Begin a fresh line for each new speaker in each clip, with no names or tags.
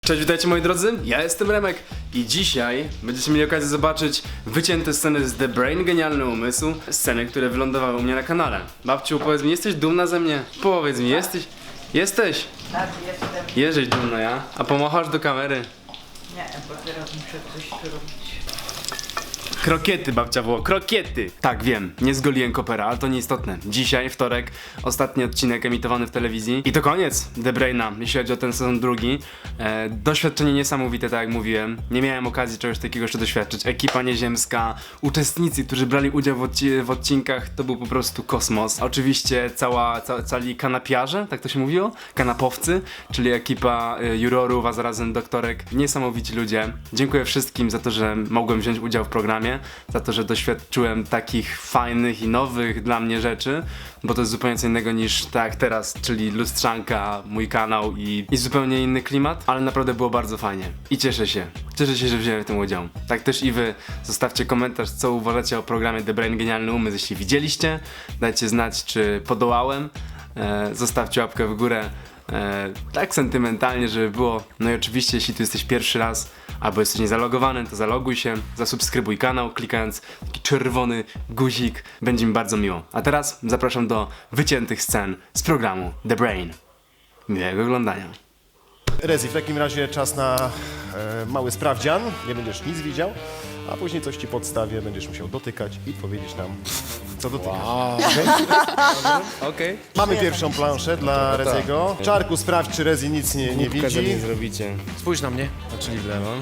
Cześć, witajcie moi drodzy, ja jestem Remek i dzisiaj będziecie mieli okazję zobaczyć wycięte sceny z The Brain, Genialny Umysł, sceny, które wylądowały u mnie na kanale. Babciu, powiedz mi, jesteś dumna ze mnie? Powiedz mi, jesteś? Jesteś?
Tak, jestem.
Jesteś dumna, ja? A pomochasz do kamery?
Nie, bo teraz muszę coś tu robić.
Krokiety, babcia było, krokiety! Tak, wiem, nie zgoliłem kopera, ale to nieistotne. Dzisiaj, wtorek, ostatni odcinek emitowany w telewizji. I to koniec The Braina, jeśli chodzi o ten sezon drugi. Doświadczenie niesamowite, tak jak mówiłem. Nie miałem okazji czegoś takiego jeszcze doświadczyć. Ekipa nieziemska, uczestnicy, którzy brali udział w odcinkach, to był po prostu kosmos. Oczywiście cali kanapiarze, tak to się mówiło? Kanapowcy, czyli ekipa jurorów, a zarazem doktorek. Niesamowici ludzie. Dziękuję wszystkim za to, że mogłem wziąć udział w programie. Za to, że doświadczyłem takich fajnych i nowych dla mnie rzeczy, bo to jest zupełnie co innego niż tak jak teraz, czyli lustrzanka, mój kanał i zupełnie inny klimat, ale naprawdę było bardzo fajnie i cieszę się, że wziąłem w tym udział. Tak też i wy, zostawcie komentarz, co uważacie o programie The Brain Genialny Umysł, jeśli widzieliście, dajcie znać, czy podołałem, zostawcie łapkę w górę, tak sentymentalnie, żeby było. No i oczywiście, jeśli tu jesteś pierwszy raz, albo jesteś niezalogowany, to zaloguj się, zasubskrybuj kanał, klikając taki czerwony guzik. Będzie mi bardzo miło. A teraz zapraszam do wyciętych scen z programu The Brain. Miłego oglądania.
Rezi, w takim razie czas na mały sprawdzian. Nie będziesz nic widział, a później coś ci podstawię, będziesz musiał dotykać i powiedzieć nam, co dotykasz.
Okej.
Mamy pierwszą planszę dla Reziego. Czarku, sprawdź, czy Rezi nic nie widzi.
zrobicie.
Spójrz na mnie.
Czyli w lewo.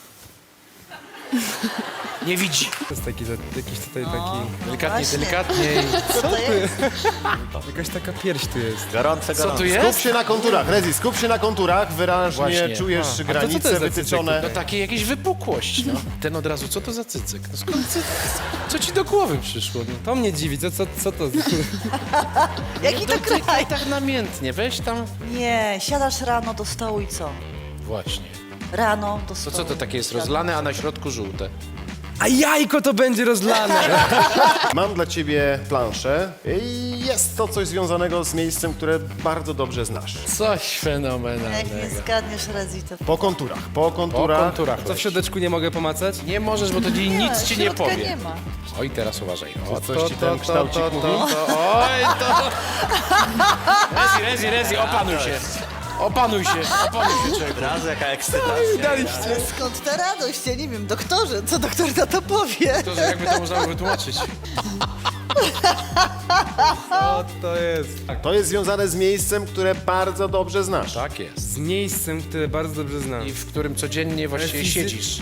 Nie widzi.
To jest jakiś tutaj taki...
Delikatniej,
Właśnie.
delikatniej.
Co to jest?
Jakaś taka pierś tu jest.
Co tu
Skup
jest?
się na konturach, Rezi, skup się na konturach, wyraźnie
Właśnie.
czujesz
to co to
granice
jest za
wytyczone.
No takie jakieś wypukłość, no. Ten od razu, co to za cycyk? No skąd co ci do głowy przyszło? No,
To mnie dziwi, co to?
Jaki to kraj?
dotykaj tak namiętnie, weź tam.
Nie, siadasz rano do stołu i co?
Właśnie.
Rano do
To
stołu.
co to takie jest rozlane, a na środku żółte?
A jajko to będzie rozlane!
Mam dla ciebie planszę i jest to coś związanego z miejscem, które bardzo dobrze znasz.
Coś
Jak nie
fenomenalnego.
zgadniesz Rezi, to...
Po konturach.
Po konturach.
Co w środeczku nie mogę pomacać?
Nie możesz, bo to nic ci nie
środka
powie.
nie ma.
Oj, teraz uważaj. O,
Coś ci ten kształcik mówi?
Oj, to... Rezi, opanuj się. Opanuj się, człowieku.
Ale skąd ta radość? Ja nie wiem, doktorze, co doktor na to powie?
To, że jakby to można wytłumaczyć.
Co to jest?
To jest związane z miejscem, które bardzo dobrze znasz.
Tak jest.
Z miejscem, które bardzo dobrze znam.
I w którym codziennie właściwie
Fizy-
siedzisz.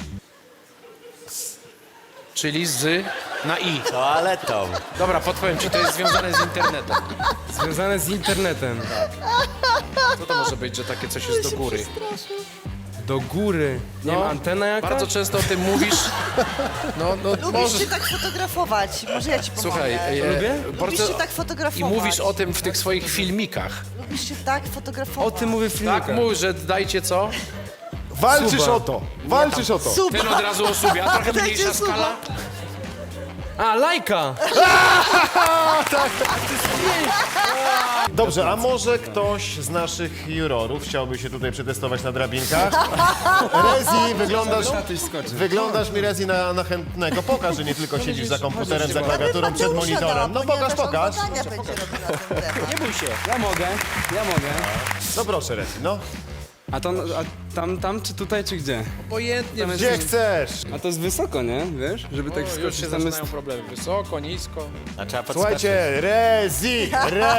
Czyli z na i.
Toaletą.
Dobra, podpowiem ci, to jest związane z internetem.
Związane z internetem.
Co to może być, że takie coś jest do góry?
Do góry. Nie
No,
wiem, antena jaka?
Bardzo często o tym mówisz. No,
Lubisz
możesz...
się tak fotografować, może ja ci pomogę.
Słuchaj,
Lubię?
Lubisz się tak
I
fotografować.
mówisz o tym w tych swoich filmikach.
Lubisz się tak fotografować.
O tym mówię w filmikach.
Tak, mów, że dajcie co?
Walczysz
Suba.
o to! Walczysz o to!
Suba.
Ten od razu osubia, trochę
Dajcie
mniejsza
suba.
skala.
A, lajka!
Dobrze, a może ktoś z naszych jurorów chciałby się tutaj przetestować na drabinkach? Rezi, wyglądasz mi Rezi na chętnego. Pokaż, że nie tylko siedzisz za komputerem, za klawiaturą, przed monitorem. No pokaż.
Nie bój się.
Ja mogę.
No proszę Rezi, no.
A tam czy tutaj, czy gdzie?
Obojętnie.
Gdzie chcesz?
A to jest wysoko, nie? Wiesz? Żeby tak
Już
wskoczyć
się
tam jest...
zaczynają problemy. Wysoko, nisko.
A trzeba podskoczyć.
Słuchajcie, Rezi!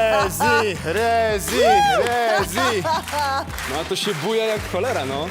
No a to się buja jak cholera, no.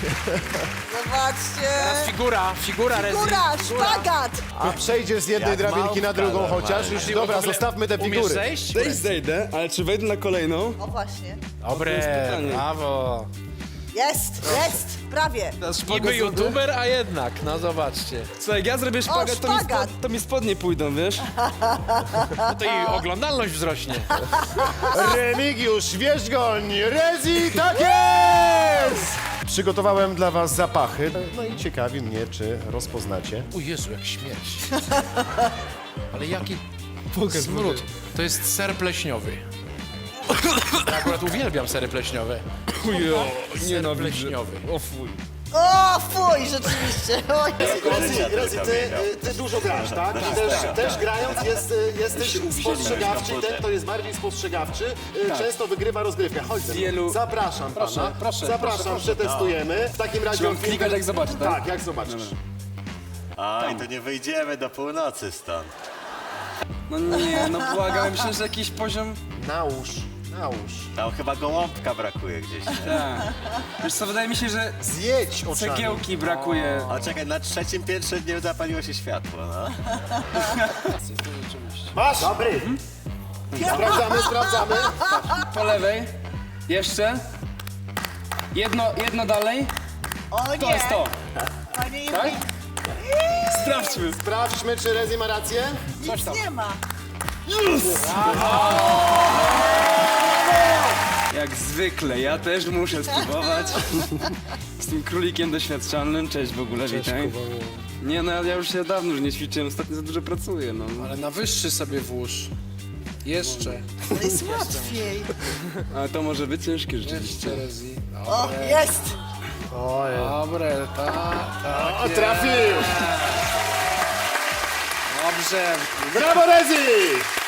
Zobaczcie.
Figura, Rezi.
Góra, szpagat.
A przejdziesz z jednej
Jak
drabinki na
małpka
drugą
normalnie.
chociaż? Już
Ty w
dobra,
ogóle
zostawmy te
umiesz
figury.
zejść?
Zejdę, ale czy wejdę na kolejną?
O właśnie.
Dobre,
pytanie.
brawo.
Jest, prawie.
Niby youtuber, a jednak, no zobaczcie.
Słuchaj, jak ja zrobię szpagat,
szpagat.
to mi spodnie pójdą, wiesz?
No to i oglądalność wzrośnie.
Remigiusz Wierzgoń, Rezi, tak jest! Przygotowałem dla was zapachy, no i ciekawi mnie, czy rozpoznacie.
O Jezu, jak śmierć. Ale jaki smród. To jest ser pleśniowy. Ja akurat uwielbiam sery pleśniowe. Ser pleśniowy.
O fuj.
O, fuj, rzeczywiście. Oj.
Rezi, ty dużo grasz, tak? Też grając jesteś spostrzegawczy. Ten, kto jest bardziej spostrzegawczy, często wygrywa rozgrywkę. Chodź ze mną.
Wielu-
Zapraszam pana.
proszę,
Zapraszam, przetestujemy. W takim razie...
Mam klikać, jak zobaczę, tak?
Tak, jak zobaczysz.
Aj, to nie wyjdziemy do północy stąd.
No nie, no błagam, myślę, że jakiś poziom...
Nałóż.
Tam chyba gołąbka brakuje gdzieś. Nie?
Tak. Wiesz co, wydaje mi się, że
Zjedź oczami.
cegiełki brakuje.
A czekaj, na 3. piętrze nie zapaliło się światło, no.
Masz? Dobry. Sprawdzamy.
Po lewej. Jeszcze. Jedno dalej.
O nie.
To jest to.
Panie
Tak?
Juri,
Sprawdźmy.
Sprawdźmy, czy Rezi ma rację.
nic nie ma.
Jak zwykle, ja też muszę spróbować. Z tym królikiem doświadczalnym. Cześć w ogóle, witaj. Nie no, ja już się dawno już nie ćwiczyłem, ostatnio za dużo pracuję, no.
Ale na wyższy sobie włóż. Jeszcze.
To jest łatwiej.
Ale to może być ciężkie rzeczywiście.
Jeszcze Rezi.
O, jest.
Dobre, tak.
Trafił.
Dobrze.
Brawo, Rezi!